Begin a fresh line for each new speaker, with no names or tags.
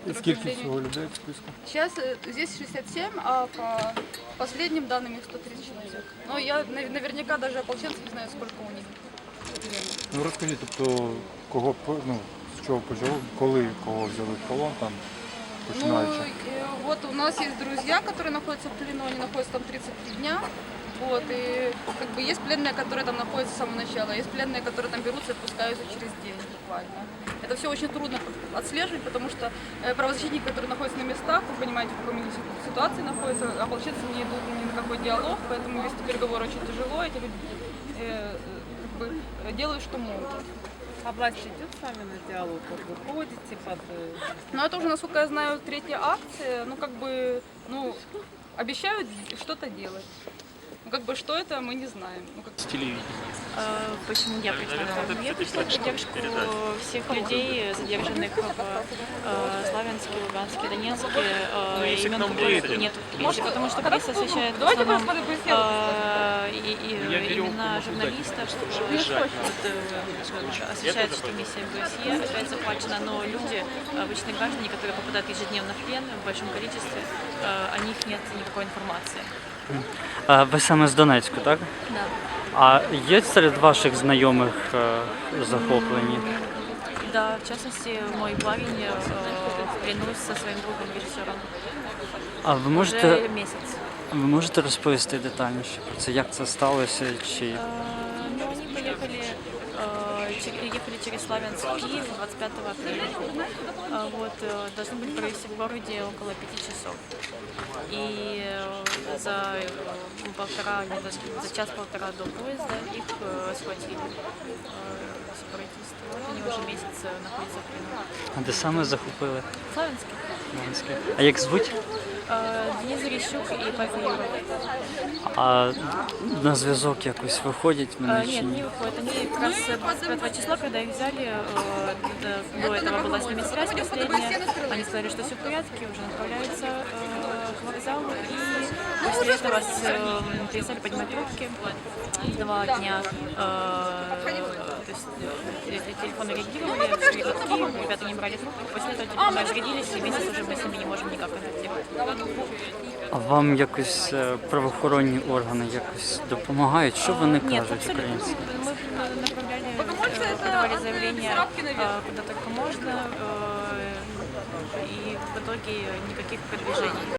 И сколько всего людей в списку?
Сейчас здесь 67, а по последним данным их 130 человек. Но я наверняка даже ополченцев не знаю, сколько у них.
Ну розкажіть, тобто, кого, ну, з чого почало, коли кого взяли в полон, там, починаючи?
Вот у нас есть друзья, которые находятся в плену, они находятся там 33 дня. Вот, и как бы есть пленные, которые там находятся с самого начала, есть пленные, которые там берутся и отпускаются через день буквально. Это все очень трудно отслеживать, потому что правозащитники, которые находятся на местах, вы понимаете, в какой ситуации находятся, ополченцы не идут ни на какой диалог, поэтому вести переговоры очень тяжело, эти люди как бы делают, что могут.
А власть идет с вами на диалог? Вот вы ходите под...
Но это уже, насколько я знаю, третья акция, ну как бы, ну, обещают что-то делать. Ну, как бы, что это, мы не знаем. Ну, как...
Почему я пришла на войну? Я пришла в поддержку всех людей, задержанных в Славянске, Луганске, Донецке, имен которых нет в прессе, потому что пресса освещает в основном имена журналистов, освещается, что миссия ОБСЕ опять захвачена, но люди, обычные граждане, которые попадают ежедневно в плен в большом количестве, о них нет никакой информации.
Ви саме з Донецьку, так?
Да.
А є серед ваших знайомих захоплені?
Да, в частности, мой парень в плену со своим другом режиссером.
А ви
Уже месяц.
розповісти детальніше про це, як це сталося? Чи...
Ну, они ехали через Славянск в Киев 25 апреля. Вот, должны были провести в городе около 5 часов. И за час-полтора до поезда их схватили сепаратисты. Вот они уже месяц находятся в плену.
А де саме захопили?
Славянске.
А як звуть?
Денис Зарищук и Павел Юров.
А на зв'язок якось виходять вони чи
Нет,
ні?
не выходят. Они как раз 25 числа, когда их взяли, до этого была с ними связь последняя. Они сказали, что все в порядке, уже направляются к вокзалу. И после этого перестали поднимать трубки 2 дня. То есть телефоны реагировали, шли гудки, ребята не брали трубку. После этого телефоны разрядились, и месяц уже мы с ними не можем никак контактировать.
А вам якось правоохоронні органи якось допомагають? Що вони
Нет,
кажуть
абсолютно.
українці?
Мы направляли, подавали заявления куда только можно, и в итоге никаких продвижений.